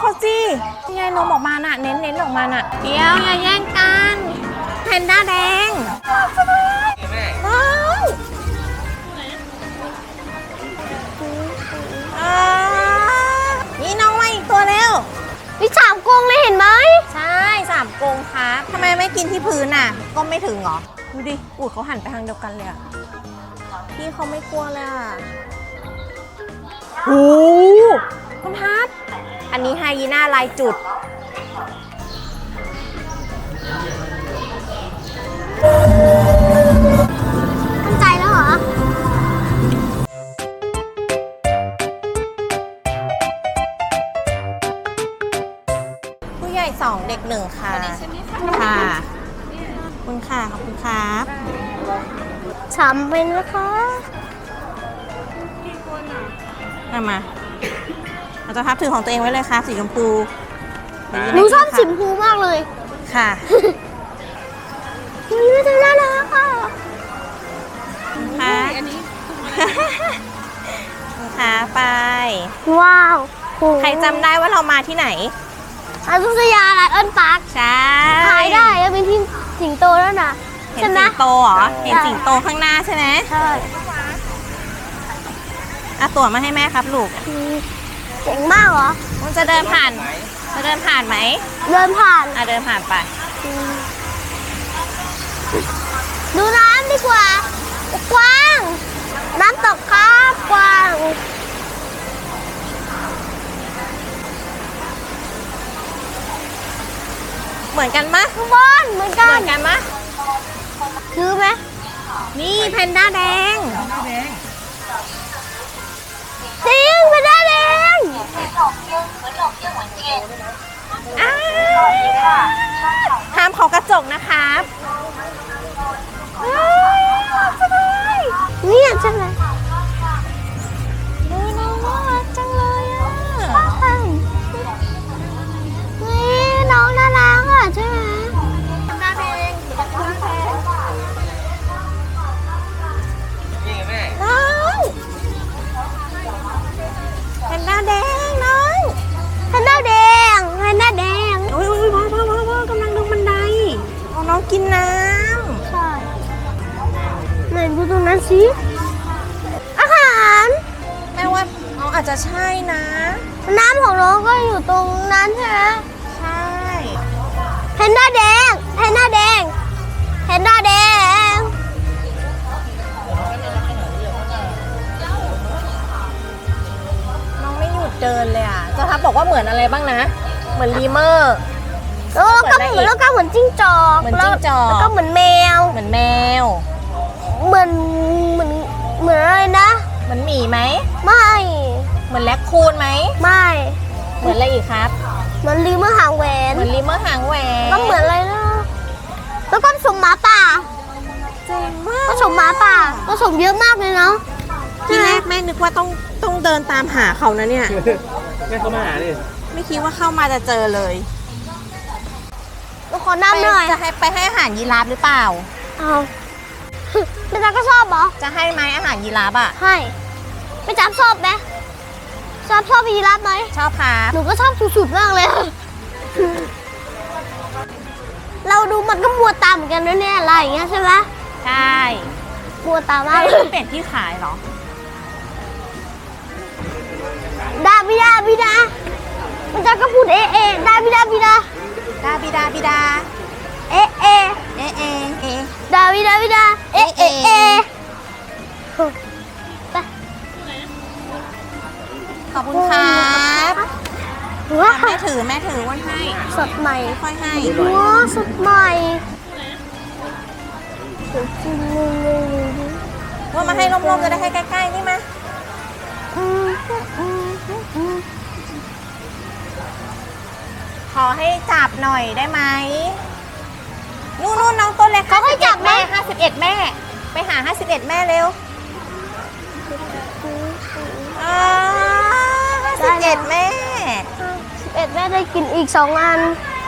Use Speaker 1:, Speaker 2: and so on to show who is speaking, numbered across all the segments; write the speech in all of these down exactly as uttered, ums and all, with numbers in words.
Speaker 1: เขาสินี่ไงนมออกมาน่ะเน้นเน้นออกมาน่ะเดี๋ยวอย่าแย่งกันแพนด้าแดงว้าวนี่น้องมาอีกตัวเร็ว
Speaker 2: วิสามกรงเลยเห็นไหม
Speaker 1: ใช่สามกรงครับทำไมไม่กินที่พื้นน่ะก็ไม่ถึงเหรอดูดิอูดเขาหันไปทางเดียวกันเลยอ่ะพี่เขาไม่กลัวเลยอ่ะโอ้คุณทัศน์อันนี้ไฮยีน่าลายจุด
Speaker 2: มั่นใจแล้วเหรอ
Speaker 1: ผู้ใหญ่สองเด็กหนึ่งค่ะค่ะคุณค่ะขอบคุณครับ
Speaker 2: สามเป็นนะคะ
Speaker 1: มามาเราจะพับถือของตัวเองไว้เลยค่ะสีชมพู
Speaker 2: หนูชอบสีชมพูมากเลย
Speaker 1: ค่ะ
Speaker 2: นี่ไม่ถึงแล้วนะคะ
Speaker 1: ค่ะอันนี้ค่ะไป
Speaker 2: ว้าว
Speaker 1: ใครจำได้ว่าเรามาที่ไหน
Speaker 2: อายุทยาไลออนพาร์ค
Speaker 1: ใช่
Speaker 2: ถ่ายได้แล้วเป็นที่สิงโตแล้วนะ
Speaker 1: เห็นสิงโตเหรอเห็นสิงโตข้างหน้าใช่ไหม
Speaker 2: ใช่
Speaker 1: เอาตั๋วมาให้แม่ครับลูก
Speaker 2: เจ๋งมากเหรอ
Speaker 1: มันจะเดินผ่านจะเดินผ่านไหม
Speaker 2: เดินผ่าน
Speaker 1: อ่ะเดินผ่านไป
Speaker 2: ดูน้ำดีกว่ากว้างน้ำตกครับกว้าง
Speaker 1: เหมือนกันมะ
Speaker 2: ทุกบนเหมือนกัน
Speaker 1: เหมือนกันมะ
Speaker 2: ซื้อไหม
Speaker 1: นี่แพนด้าแดง
Speaker 2: จริงแพนด้าแดง
Speaker 1: ห้ามเขากระจกนะครับ
Speaker 2: เนี่ยใช่ไหม
Speaker 1: ดูน้องน่ารักจังเลยอ่ะ
Speaker 2: นี่น้องน่ารักอ่ะใช่ไหม
Speaker 1: แพนด้าแดงนี่แม่น้องแพนด้าแดงน้อง
Speaker 2: แพนด้าแดงแพนด้าแดง
Speaker 1: โอ้ยโอ้ยพ่อพ่อพ่อพ่อกำลังลงบันไดเอาน้องกินน้ำ
Speaker 2: ใช่ไหนดูตรงนั้นสิอาหาร
Speaker 1: แม่ว่าน้องอาจจะใช่นะ
Speaker 2: น้ำของน้องก็อยู่ตรงนั้นใช่ไหม
Speaker 1: ใช่
Speaker 2: แพนด้าแดงแพนด้าแดงแพนด้าแดง
Speaker 1: น้องไม่หยุดเดินเลยอ่ะจะทับบอกว่าเหมือนอะไรบ้างนะเหมือนลีเมอร์
Speaker 2: แล้วก็เหมือนแล้วก็เหมือนจิ้งจอก
Speaker 1: เหมือนจิ้งจอก
Speaker 2: แล้วก็เหมือนแมว
Speaker 1: เหมือนแมว
Speaker 2: เหมือนเหมือนเหมือนอะไรนะ
Speaker 1: เหมือนหมีไหม
Speaker 2: ไม่
Speaker 1: เหมือนแรคคูนไหม
Speaker 2: ไม่
Speaker 1: เหมือนอะไรอีกครับ
Speaker 2: เหมือนลีเมอร์หางแหวน
Speaker 1: เหมือนลีเมอร์หางแหวน
Speaker 2: ก็เหมือนอะไรนะแล้วก็ผสมหมาป่า
Speaker 1: เจ๋งมาก
Speaker 2: ผสมหมาป่าผสมเยอะมากเลยเนาะ
Speaker 1: ที่แรกแม่นึกว่าต้องต้องเดินตามหาเขานะเนี่ย
Speaker 3: แม่เขามาหาดิ
Speaker 1: ไม่คิดว่าเข้ามาจะเจอเลย
Speaker 2: เราขอน้ำหน่อย
Speaker 1: จะให้ไปให้อาหารยีราฟหรือเปล่า
Speaker 2: เอาไม่จับก็ชอบเหรอ
Speaker 1: จะให้ไหมอาหารยีราฟอ่ะ
Speaker 2: ให้ไม่จับชอบไหมชอบชอบยีราฟไหม
Speaker 1: ชอบครับ
Speaker 2: หนูก็ชอบสุดๆมากเลยเราดูมันก็มัวตามเหมือนกันนะเนี่ยอะไรอย่างเงี้ยใช่ไหม
Speaker 1: ใช่
Speaker 2: มัวตามมากเลย
Speaker 1: เปลี่ยนที่ขายเหรอ
Speaker 2: ดาบิดาบิดามันจะก็พูดเอเอดาบิดาบิดา
Speaker 1: ดาบิดาบิดา
Speaker 2: เอเอ
Speaker 1: เอเอเอ
Speaker 2: ดาบิดาบิดาเอเอเอ
Speaker 1: ขอบคุณครับแม่ถือแม่ถือวันให้
Speaker 2: สดใหม่
Speaker 1: ค่อยให้
Speaker 2: ว้าสดใหม่
Speaker 1: ว่ามาให้ร่มๆจะได้ให้ใกล้ๆนี่มาขอให้จับหน่อยได้ไหมนู่นนู่นน้องตัวเล็ก
Speaker 2: เขาให้จับ
Speaker 1: แม่ห้าสิบเอ็ดแม่ไปหาห้าสิบเอ็ดแม่เร็วห้าสิบเอ็ดแม่
Speaker 2: สิบเอ็ดแม่ได้กินอีกสองอัน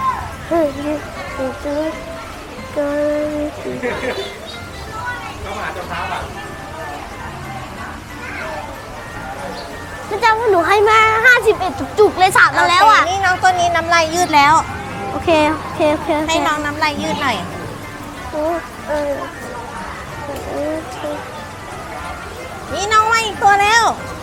Speaker 3: เขามาหาเจ้าเท้าป่ะ
Speaker 2: ไม่จำว่าหนูให้มาห้าสิบเอ็ดจุกๆเลยสามมาแล้วอ่ะ
Speaker 1: โเคนี่น้องตัวนี้น้ำลายยืดแล้ว
Speaker 2: โอเค โอเค โอเคโเค
Speaker 1: ให้น้องน้ำลายยืดหน่อย
Speaker 2: เออเออเออ
Speaker 1: นี่น้องมาอีกตัวแล้ว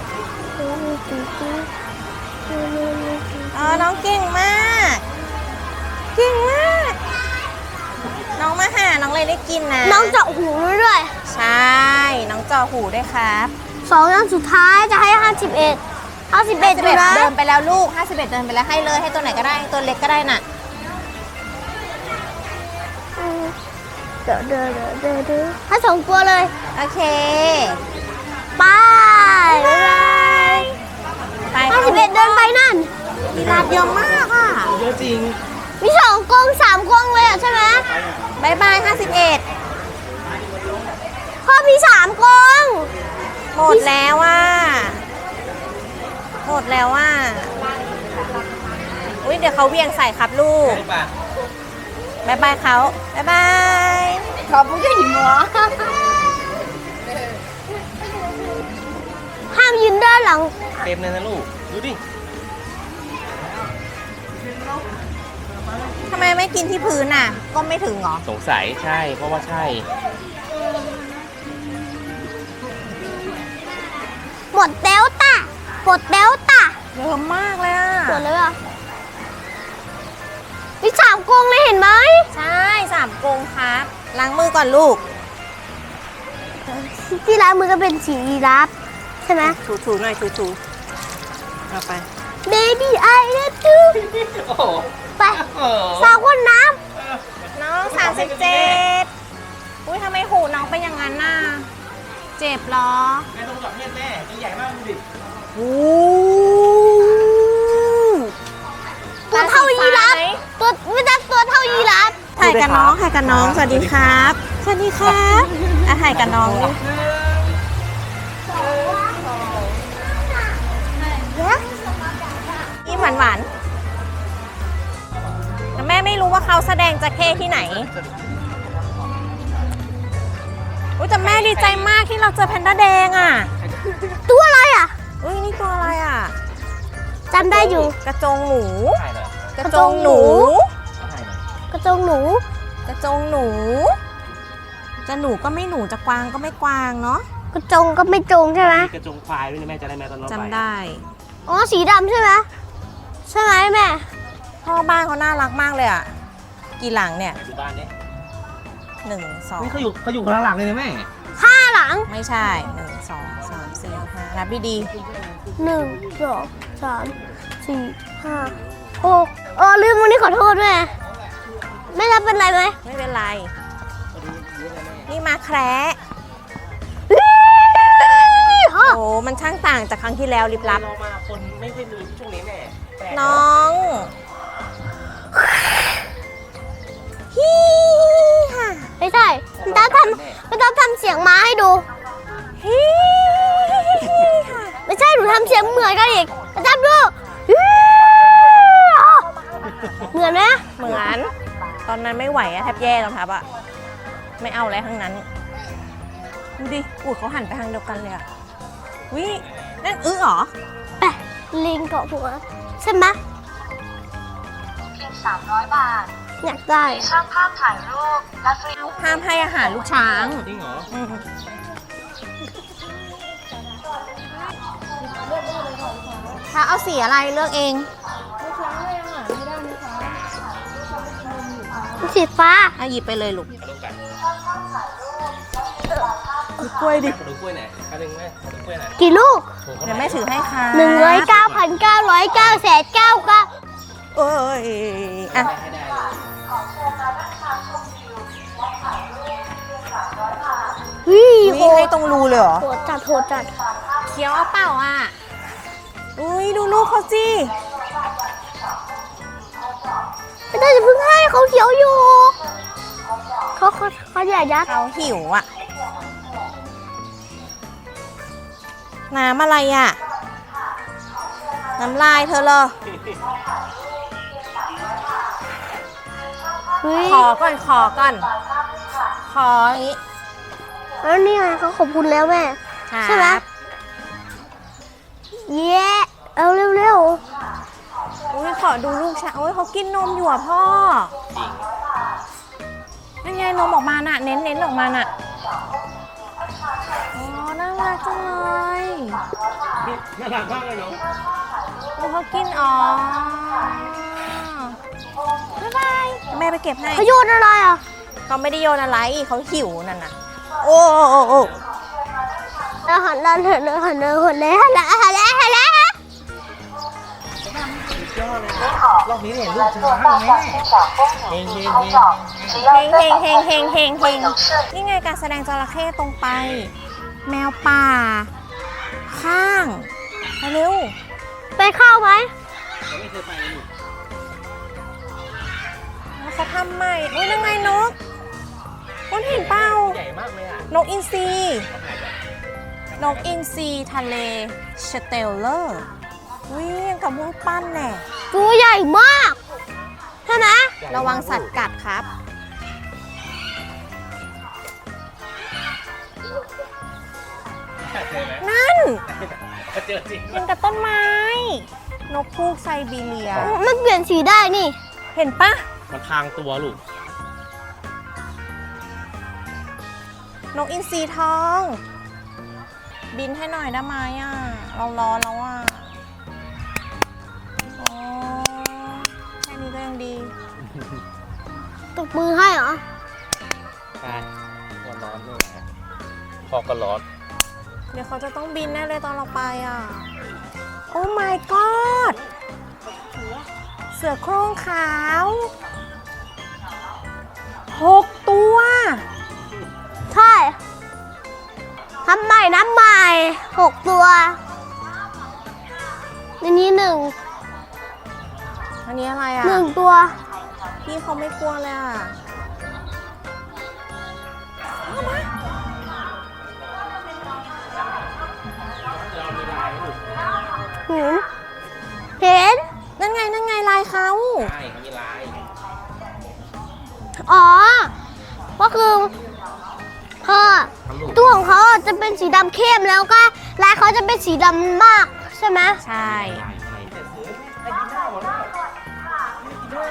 Speaker 1: อ๋อน้องเก่งมาก เก่งมาก น้องมาหาน้องเลยได้กินนะ
Speaker 2: น้องเจาะหูด้วย
Speaker 1: ใช่ น้องจอหูด้วยครับ
Speaker 2: สองอย่างสุดท้ายจะให้ห้าสิบเอ็ดห้าสิบเอ็ด
Speaker 1: ห้าสิบ
Speaker 2: นะ
Speaker 1: เดินไปแล้วลูกห้าสิบเอ็ดเดินไปแล้วให้เลยให้ตัวไหนก็ได้ตัวเล็กก็ได้น่ะ
Speaker 2: เดี๋ยวเดี๋ยวเดี๋ยวเดี๋ยวเดี๋ยวให้สองตัวเลย
Speaker 1: โอเค
Speaker 2: ไป
Speaker 1: ไป
Speaker 2: ห้าสิบเอ็ดเดินไปนั่น
Speaker 1: มีลาบเยอะมากอ่ะ
Speaker 3: เยอะจริง
Speaker 2: มีสองกรงสามกรงเลยอ่ะใช่ไหม
Speaker 1: บายบายห้าสิบเอ็ด
Speaker 2: พ่อมีสามกรง
Speaker 1: หมดแล้วว่าหมดแล้วว่าอุ้ยเดี๋ยวเขาเวียงใส่ครับลูกบายบายเขาบายบาย
Speaker 2: ขอบคุณที่หยิบหัวห้ามยืนด้านหลัง
Speaker 3: เต็มเลยนะลูก ดูดิ
Speaker 1: ทำไมไม่กินที่พื้นอ่ะ ก็ไม่ถึงเหรอ
Speaker 3: สงสัยใช่ เพราะว่าใช่
Speaker 2: หมดเดลต้าหมดเดลต้า
Speaker 1: เยอะมากเลยอ่ะ
Speaker 2: หมดเลยอ่ะมีสามกรงเลยเห็นไหม
Speaker 1: ใช่สามกรงครับล้างมือก่อนลูก
Speaker 2: ที่ร้านมือก็เป็นสีรับใช่ไหม
Speaker 1: ถูถูหน่อยถูถูเอาไป
Speaker 2: Baby I love you
Speaker 3: โอ้โห
Speaker 2: ไป
Speaker 3: โอ้โห
Speaker 2: สาวคนน้
Speaker 1: น้องสามสิบเจ็ดอุ้ยทำไมหูน้องเป็นอย่างนั้นน่ะเจ็บเหรอ
Speaker 3: แม่ต้องจับเม็ดแม่ตัวใหญ่มากดูดิ
Speaker 1: โอ้
Speaker 2: ำตัวเท่ายีราฟตัวไม่ใช่ตัวเท่ายีราฟ
Speaker 1: ถ่ายกับน้องถ่ายกับน้องสวัสดีครับ สวัสดีครับอ่ะถ่ายกับน้องดินี่หวานหวานๆแต่แม่ไม่รู้ว่าเขาแสดงจระเข้ที่ไหนอุ้ยแต่แม่ดีใจมากที่เราเจอแพนด้าแดงอ่ะ
Speaker 2: ตัวอะไรอ่ะ
Speaker 1: อุ้ยนี่ตัวอะไรอ่ะ
Speaker 2: จำได้อยู่
Speaker 1: กระจงหมู
Speaker 3: ถ่ายหน่อย
Speaker 1: กระจงหนู
Speaker 3: ถ่ายหน่อย
Speaker 2: กระจงหนู
Speaker 1: กระจงหนู จะหนูก็ไม่หนูจะกวางก็ไม่กวางเนาะ
Speaker 2: กระจงก็ไม่จงใช่ไหม
Speaker 3: มีกระจงควายด้วยนะแม่จะได้แม่ตอนเราไป
Speaker 1: จำได้
Speaker 2: อ๋อสีดำใช่ไหมใช่ไหมแม่
Speaker 1: พ่อบ้านเขาน่ารักมากเลยอ่ะ กี่หลังเนี่ย
Speaker 3: ไหนดูบ้านดิ
Speaker 1: หนึ่งสอง
Speaker 3: นี่เขาอยู่เขาอยู่ข้างหลังเลยนะแม่
Speaker 2: ห้าหลัง
Speaker 1: ไม่ใช่หนึ่งสองสามสี่ห้านับดี
Speaker 2: หนึ่งสองสามสี่ห้าหกเออลืมวันนี้ขอโทษด้วยไม่รับเป็นไรไหม
Speaker 1: ๆไม่เป็นไร นี่มาแคระ
Speaker 2: ฮะ
Speaker 1: โอ้มันช่างต่างจากครั้งที่แล้วลิบลับ
Speaker 3: เรามาคนไม่ค่อยมีช่วงนี้แม่แปลก
Speaker 1: น้องฮีฮ่า
Speaker 2: ไม่ใช่มันต้องทำมันต้องทำเสียงม้าให้ดู
Speaker 1: ฮีฮ่า
Speaker 2: ไม่ใช่หนูทำเสียงเหมือนกันอีกมาทำดูเหมือนไหม
Speaker 1: เหมือน ตอนนั้นไม่ไหวอะแทบแย่แล้วครับอะไม่เอาอะไรทั้งนั้น ดูดิอูดเขาหันไปทางเดียวกันเลยอะวินั่นอื้อเหรอ
Speaker 2: ไปลิงเกาะหัวใช่ไหม
Speaker 4: เพียงสามร้อยบาท
Speaker 2: อยากได้
Speaker 4: ช่างภาพถ่ายรูป และฟรี
Speaker 1: ห้ามให้อาหารลูกช้าง
Speaker 3: จริงเหรอ
Speaker 1: อืมถ้าเอาสีอะไรเลือกเอง
Speaker 2: สีฟ้า
Speaker 1: อ่ะหยิบไปเลยลูก
Speaker 3: ขนมกัน
Speaker 1: กล้วยดิ
Speaker 3: ขนมกล้วยไหนขนมแม่ขนมกล้วยไหน
Speaker 2: กี่ลูก
Speaker 3: โอ้โห
Speaker 1: เดี๋ยวแม่ถือให้ค่ะ
Speaker 2: หนึ่งร้อยเก้าพันเก้าร้อยเก้าแสนเก้าเก้า
Speaker 1: เอ้ยอ่ะ
Speaker 3: ให้ได้เลย
Speaker 2: วิ่ง
Speaker 1: วิ่งให้ตรงรูเลยเหรอ
Speaker 2: โหดจัดโหดจัด
Speaker 1: เคี้ยวเอาเปล่าอ่ะ อุ้ยดูลูกเขาสิ
Speaker 2: ไม่ได้จะเพิ่งให้เขาเขียวอยู่เขาเขาเขาอยากยัด
Speaker 1: เขาหิวอ่ะ น้ำอะไรอ่ะ น้ำลายเธอเหรอ
Speaker 2: เฮ้ย
Speaker 1: ขอก่อนขอก่อน ขออย่างนี้
Speaker 2: แล้วนี่ไงเขาขอบคุณแล้วแม่ ใช่ไหม
Speaker 1: ครับ
Speaker 2: เย้เอาเร็ว
Speaker 1: อุ้ยขอดูลูกชายโอ้ยเขากินนมอยู่อ่ะพ่อ
Speaker 3: จริง
Speaker 1: นั่นไงนมออกมาน่ะ เน้นเน้นออกมาน่ะอ๋อน่ารักจังเลย
Speaker 3: น่ารักมากเลยเนาะ
Speaker 1: โอ้เขากินอ๋อบ๊ายบายแม่ไปเก็บให้
Speaker 2: ๆเขาโยนอะไรอ่ะ
Speaker 1: เขาไม่ได้โยนอะไรเขาหิวนั่นน่ะโอ้โอ้โอ้
Speaker 2: เราหันเราหันเราหันเราหันแล้วหันแล้วหันแล้วหันแล้ว
Speaker 3: สุดยอดเลยรอบนี้เห็นลูกช้างไหมเฮงเฮงเฮง
Speaker 1: เฮงเฮงเฮงเฮงเฮงเฮงนี่ไงการแสดงจระเข้ตรงไป แมวป่า ข้างไปเร็ว
Speaker 2: ไปเข้าไหม
Speaker 3: เราไม่เคยไปเลย
Speaker 1: แล้วเขาทำใหม่อุ้ยนั่งไงนกคุณเห็นเปล่า
Speaker 3: ใหญ่มากเลยอ่ะ
Speaker 1: นกอินทรีนกอินทรีทะเลสเตลเลอร์วิ่งกับมุ้งปั้นแน่
Speaker 2: ตัวใหญ่มากใช่ไหม
Speaker 1: ระวังสัตว์กัดครับ
Speaker 3: เจอไหม
Speaker 1: นั่น
Speaker 3: เจอจริง
Speaker 1: มันกับต้นไม้ นกพูกไซบีเรีย
Speaker 2: มันเปลี่ยนสีได้นี่
Speaker 1: เห็นปะ
Speaker 3: มันทางตัวลูก
Speaker 1: นกอินทรีทอง บินให้หน่อยได้ไหมอ่ะ เราร้อนแล้วอ่ะโอ้แค่นี้ก็ยังดี
Speaker 2: ตบมือให้เหรอ
Speaker 3: ใช่ร้อนร้อนด้วยนะพอก็ร้อน
Speaker 1: เดี๋ยวเขาจะต้องบินแน่เลยตอนเราไปอ่ะ โอ้ my god เสือโคร่งขาวหกตัว
Speaker 2: ใช่ทำใหม่น้ำใหม่หกตัวในนี้หนึ่ง
Speaker 1: อันนี้อะไรอ่ะ
Speaker 2: หนึ่งตัว
Speaker 1: พี่เขาไม่กลัวเลยอ่ะ
Speaker 2: เห็นเห็น
Speaker 1: นั่นไง นั่นไงลายเขา
Speaker 3: ใช่เขามีลาย
Speaker 2: อ๋อ ก็คือเขาตัวของเขาจะเป็นสีดำเข้มแล้วก็ลายเขาจะเป็นสีดำมากใช่ไหม
Speaker 1: ใช่
Speaker 3: ลายอะไรแต่ซื้อไอ้กินหน้าหมดแล้วไอ้กินหน้า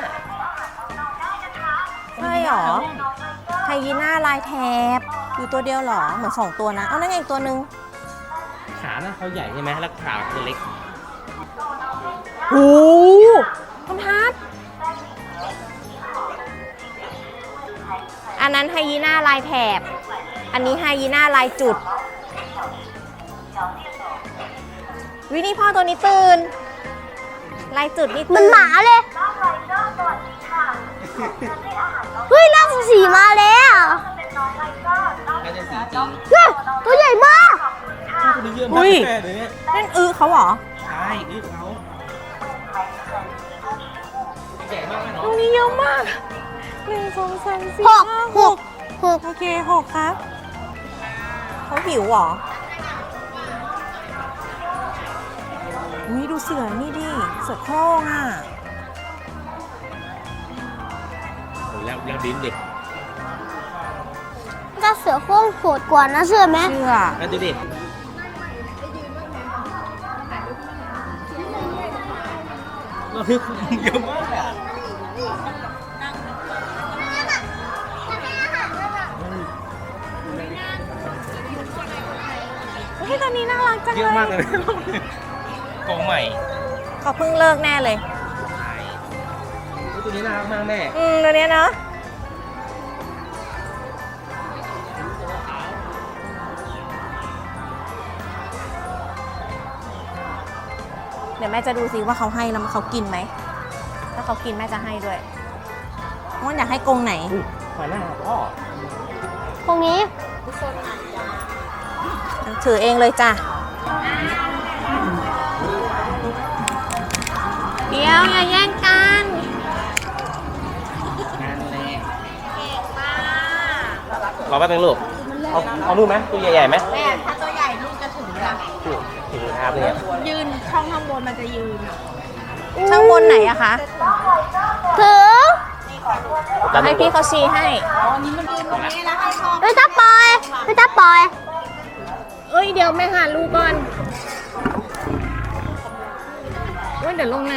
Speaker 1: ใช่หรอ ไฮยีน่าลายแถบอยู่ตัวเดียวเหรอ เหมือนสองตัวนะ เอานั่นไงอีกตัวหนึ่ง
Speaker 3: ขาหน้าเขาใหญ่ใช่ไหมแล้วขาคือเล็ก
Speaker 1: โอ้คุณทัศน์อันนั้นไฮยีน่าลายแถบ อันนี้ไฮยีน่าลายจุด วินี่พ่อตัวนี้ตื่น ลายจุดนี่ตื่น
Speaker 2: มันหมาเลย เฮ้ยล่าสุดสีมาแล้ว
Speaker 3: น่าจะสีจริง
Speaker 2: เฮ้ยตัวใหญ่มาก
Speaker 3: ตัวนี้เยอะมากแค่เลยเนี่ย
Speaker 1: นั่นอื้อเขาเหรอ
Speaker 3: ใช่นี่เขาใหญ่มากไหม
Speaker 1: ต
Speaker 3: เนาะ
Speaker 1: รงนี้เยอะมากหนึ่งสองสามสี่
Speaker 2: หก
Speaker 1: ห้า
Speaker 2: ห
Speaker 1: ห
Speaker 2: ก
Speaker 1: ก
Speaker 2: หก
Speaker 1: โอเคหกครับ เขาหิวเหรออุ้ยดูเสือนี่ดิ เสือโคร่งอ่ะ
Speaker 3: แล้วแล้วดิ้นเด็ก
Speaker 2: เจ้าเสือโคร่งโหดกว่านะเชื่อไหม
Speaker 1: เสือ
Speaker 3: แล้วดูดิเราคือเยอะมากอะ
Speaker 1: เฮ้ยตอนนี้น่ารักจัง
Speaker 3: เย
Speaker 1: เล
Speaker 3: อะ
Speaker 1: ย
Speaker 3: มากเลยกองใหม่
Speaker 1: เขาเพิ่งเลิกแน่เลย
Speaker 3: ใช่ตัวนี้น่ารักมากแม่
Speaker 1: อืมตัวเนี้ยเนอะเดี๋ยวแม่จะดูซิว่าเขาให้แล้วเขากินไหม ถ้าเขากินแม่จะให้ด้วยว่าอยากให้กรงไหน
Speaker 3: ขอหน้าพ่อ
Speaker 2: ตรงนี้
Speaker 1: ถือเองเลยจ้ะ เดี๋ยวอย่าแย่งกัน
Speaker 3: งานแรกรอแป๊บนึงลูก เอาเอานู่นไหมตัวใหญ่ๆไหม
Speaker 1: แม่ถ้าตัวใหญ่ลูกจะถึงจ้ะ
Speaker 3: ถึงถึงครับเนี่ย
Speaker 1: ยืนช่องข้างบนมันจะยืนช่างบนไหนอะคะ
Speaker 2: ถึง
Speaker 1: ให้พี่เขาชี้ให้
Speaker 2: ไม่ต้องปล่อยไม่ต้องปล่อย
Speaker 1: เอ้ยเดี๋ยวแม่หาลูกก่อนยเดี๋ยวลงน้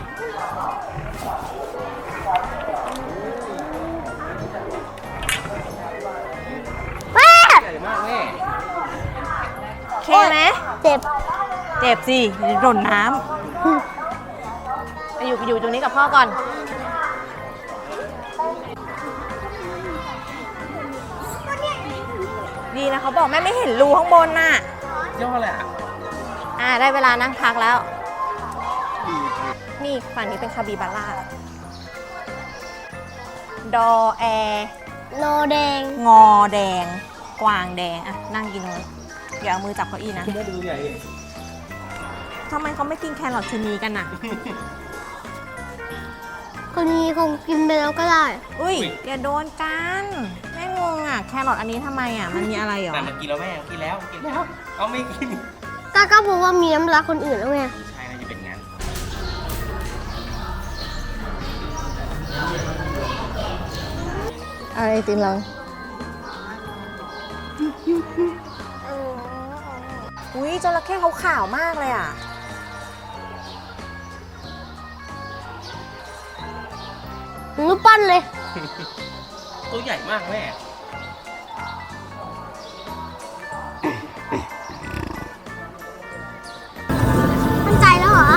Speaker 2: แม่
Speaker 3: ใหญ่มากแม่
Speaker 1: ำโอเคไหม
Speaker 2: เจ็บ
Speaker 1: เจ็บสิโดนน้ำไปอยู่อยู่ตรงนี้กับพ่อก่อน ดีนะเขาบอกแม่ไม่เห็นรูข้างบนน่ะ
Speaker 3: ย่อแหละ
Speaker 1: อ่าได้เวลานั่งพักแล้ว นี่ฝั่งนี้เป็นคาบิบาร่า ดอแอ
Speaker 2: โนแดง
Speaker 1: งอแดง กวางแดง อ่ะ นั่งกินเลยอย่าเอามือจับเก้าอี้นะ
Speaker 3: คุณแม่ดูใหญ่
Speaker 1: ทำไมเขาไม่กินแครอทชะนีกันน่ะ
Speaker 2: คนนี้คงกินไปแล้วก็ได้
Speaker 1: อุ้ยอย่าโดนกัน แม่งงอ่ะ แครอทอันนี้ทำไมอ่ะ มันมีอะไรเหรอ
Speaker 3: แต่มันกินแล้วแม่กินแล้วกินแล้ว เอาไม่กิน
Speaker 2: ก็ก็เพราะว่ามีน้ำรักคนอื่นแล้วไง
Speaker 3: ใช่น่าจะเป็นงั้น
Speaker 1: อะไรตินลองอุ้ยจระเข้เขาขาวมากเลยอ่ะ
Speaker 2: รูปปั้นเลย
Speaker 3: ตัวใหญ่มากแม่
Speaker 2: มั่นใจแล้วเหรอ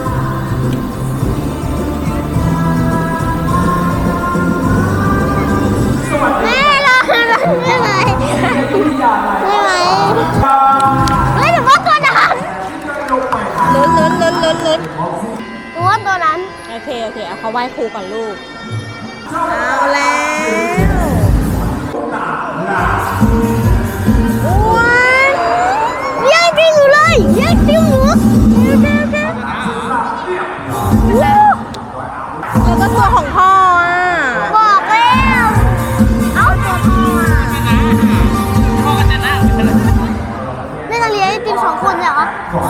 Speaker 2: แม่รอรอได้ไหมได้ไหมเฮ้ยหนูว่าตัวนั้น
Speaker 1: ลุ้นลุ้นลุ้นลุ้นลุ้น
Speaker 2: หนูว่าตัวนั้น
Speaker 1: โอเค โอเค เอาเขาไหว้ครูก่อนลูก เอาแล้วอ้วน
Speaker 2: แย่งจริงหนูเลยแย่งจริงหนู
Speaker 1: แล้วก็ตัวของพ่ออ่ะ
Speaker 2: บอกแล้วเอาตัวพ่ออะ
Speaker 3: พ่อก็จะนั่ง
Speaker 2: แม่จะเลี้ยงไอติมสองคนเหรอ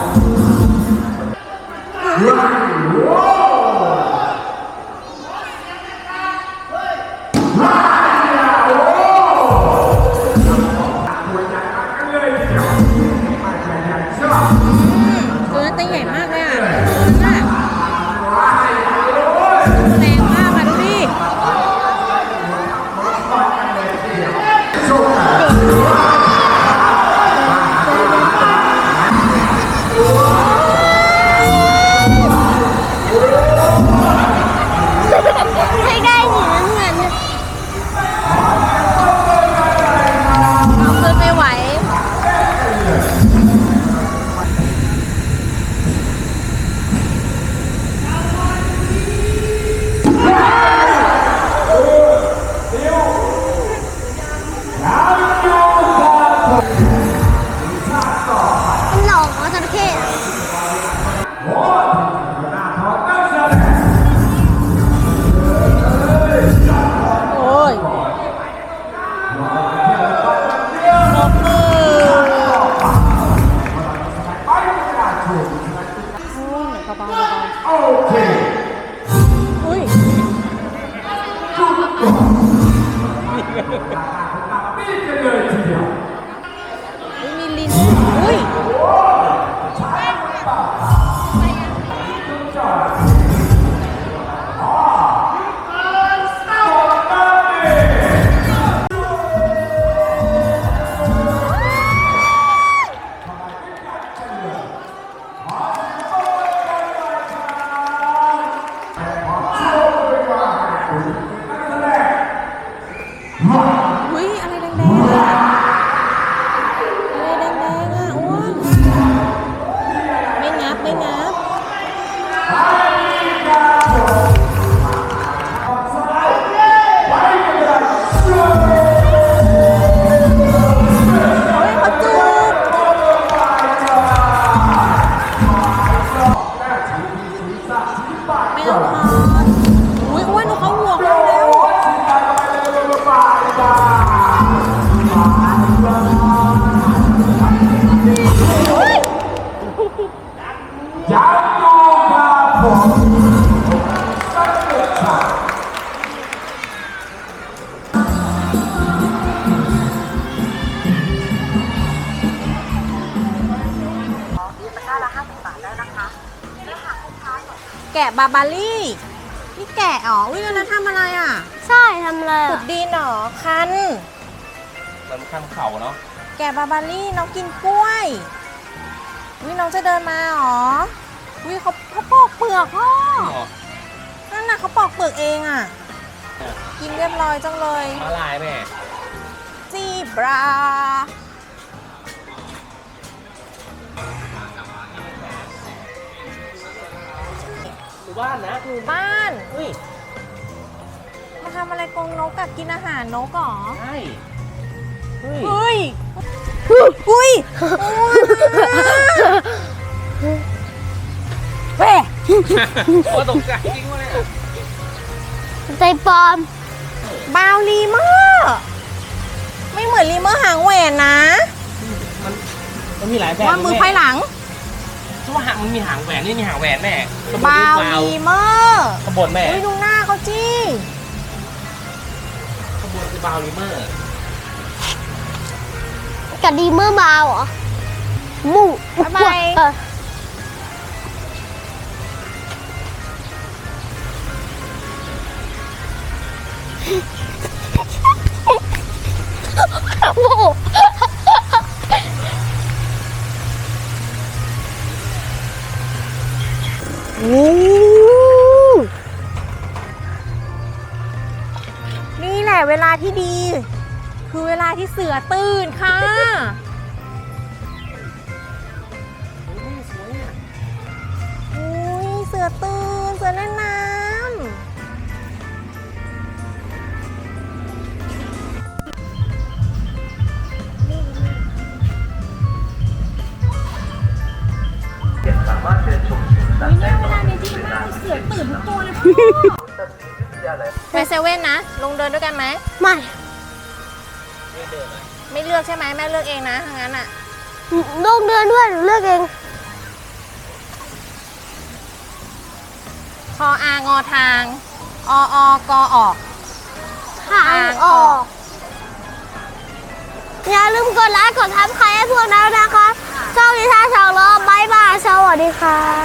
Speaker 1: ตัวนั้นตัวใหญ่มากเลยอ่ะตัวนั้นอ่ะแรงมากอ่ะดูดิ
Speaker 2: ไม่ได้หนีน้ำเงิน
Speaker 1: เอาขึ้นไม่ไหว
Speaker 2: มันหลอกว่าจระเข้อะ
Speaker 1: โอ้ยปรบมืออุ้ยเบาๆเบาๆอุ้ยอุ้ยมีลิ้นอุ้ยอุ้ยอะไรแดงๆอะอะไรแดงๆอ่ะอ้วนไม่งับไม่งับโอ้ยเขาจูบไม่ต้องทอนอุ้ยอ้วนดูเขาห่วงเราแล้ว
Speaker 4: ตะกร้าละห้าสิบบาทได้นะคะและหากลูกค้าสน
Speaker 1: บาบารี่นี่แกะอ๋อวิแล้วทำอะไรอ่ะ
Speaker 2: ใช่ทำอะไร
Speaker 1: ขุด
Speaker 2: อะ
Speaker 1: ดินเหรอคัน
Speaker 3: มันข้ามเข่าเนาะ
Speaker 1: แกะบาบารี่น้องกินกล้วยวิน้องจะเดินมาเหรอวิเขาเขาปอกเปลือกพ่อ
Speaker 3: อ๋อ
Speaker 1: นั่นน่ะเขาปอกเปลือกเองอ่ะ กินเรียบร้อยจังเลย
Speaker 3: มาลายแม่
Speaker 1: จีบรา
Speaker 3: หมู่บ้านนะ
Speaker 1: หมู่บ้าน
Speaker 3: เฮ้ย
Speaker 1: มาทำอะไรกรงนกกับกินอาหารนกเหรอ
Speaker 3: ใช่เฮ้ย
Speaker 1: เฮ้ยอุ้ย
Speaker 2: เว้ย
Speaker 3: โอ้ตกใจจริงวะเนี่ย
Speaker 2: ใจปลอม
Speaker 1: บาวลีเมอร์ไม่เหมือนลีเมอร์หางแหวนนะ
Speaker 3: มันมันมีหลายแบบ
Speaker 1: ว่ามือไพ่หลัง
Speaker 3: ชั่วหางมันมีหางแหวนนี่มีหางแหวนแม่ขบวน
Speaker 1: บาว
Speaker 3: วาว
Speaker 1: ลีเมอร์
Speaker 3: ขบวนแม่
Speaker 1: อุ้ยดูหน้าเขาจี
Speaker 3: ขบวนคือบาวลิเมอร์
Speaker 2: กับดีเมอร์บาวเหรอหมู่
Speaker 1: บ๊ายบาย
Speaker 2: เออโอ้โห
Speaker 1: นี่แหละเวลาที่ดี คือเวลาที่เสือตื่นค่ะ อุ้ยเสือตื่นเสือเล่นน้ำเนี่ยเวลานี้ดีมากเสือตื่นทุกตัวเลยพ่อไปเซเว่นนะ ลงเดินด้วยกันไหม
Speaker 2: ไม่
Speaker 1: ไม่เลือกใช่ไหมแม่เลือกเองนะทางนั้นอ่ะ
Speaker 2: ลงเดินด้วยหนูเลือกเอง
Speaker 1: คออางอทาง อออกอออก
Speaker 2: ทางออก อย่าลืมกดไลค์กดทับใครให้พวกเรานะคะช่องนิทานสองล้อบายบายสวัสดีค่ะ